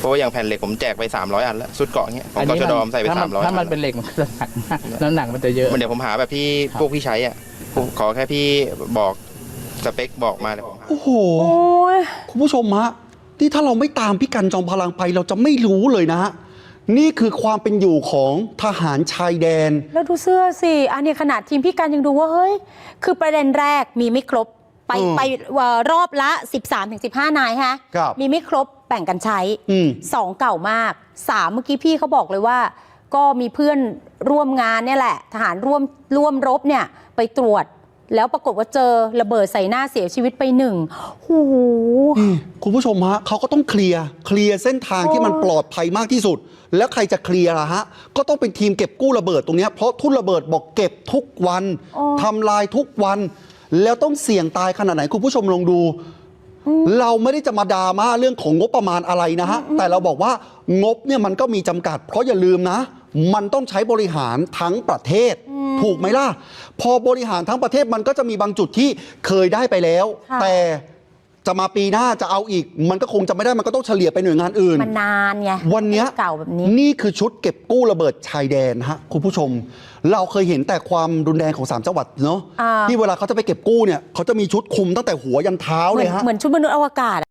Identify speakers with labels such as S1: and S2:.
S1: เพราะว่าอย่างแผ่นเหล็กผมแจกไป300 อันแล้วชุดเกาะเงี้ยของกชดใส่ไป300
S2: ถ้ามันเป็นเหล็กมันจะหนักมากน้ำหนักมันจะเยอะ
S1: เดี๋ยวผมหาแบบที่พวกพี่ใช้อ่ะขอแค่พี่บอกสเปคบอกมาเลยผมหา
S3: โอ้โหคุณผู้ชมฮะที่ถ้าเราไม่ตามพี่กันจอมพลังไปเราจะไม่รู้เลยนะฮะนี่คือความเป็นอยู่ของทหารชายแดน
S4: แล้วดูเสื้อสิอันนี้ขนาดทีมพี่กันยังดูว่าเฮ้ยคือประเด็นแรกมีไม่ครบไปรอบละ 13-15 นายฮะมีไม่ครบแบ่งกันใช้2เก่ามาก3เมื่อกี้พี่เขาบอกเลยว่าก็มีเพื่อนร่วมงานเนี่ยแหละทหารร่วมรบเนี่ยไปตรวจแล้วปรากฏว่าเจอระเบิดใส่หน้าเสียชีวิตไป1โอ้โห
S3: คุณผู้ชมฮะเขาก็ต้องเคลียร์เส้นทางที่มันปลอดภัยมากที่สุดแล้วใครจะเคลียร์ล่ะฮะก็ต้องเป็นทีมเก็บกู้ระเบิดตรงนี้เพราะทุ่นระเบิดบอกเก็บทุกวันทำลายทุกวันแล้วต้องเสี่ยงตายขนาดไหนคุณผู้ชมลองดูเราไม่ได้จะมาดราม่าเรื่องของงบประมาณอะไรนะฮะแต่เราบอกว่างบเนี่ยมันก็มีจำกัดเพราะอย่าลืมนะมันต้องใช้บริหารทั้งประเทศถูกไหมล่ะพอบริหารทั้งประเทศมันก็จะมีบางจุดที่เคยได้ไปแล้วแต่จะมาปีหน้าจะเอาอีกมันก็คงจะไม่ได้มันก็ต้องเฉลี่ยไปหน่วยงานอื่น
S4: มันนานไง
S3: วันนี้
S4: เก่าแบบนี้
S3: นี่คือชุดเก็บกู้ระเบิดชายแดนฮะคุณผู้ชมเราเคยเห็นแต่ความรุนแรงของ3จังหวัดเนาะที่เวลาเขาจะไปเก็บกู้เนี่ยเขาจะมีชุดคุมตั้งแต่หัวยันเท้าเลยฮะ
S4: เหมือนชุดมนุษย์อวกาศ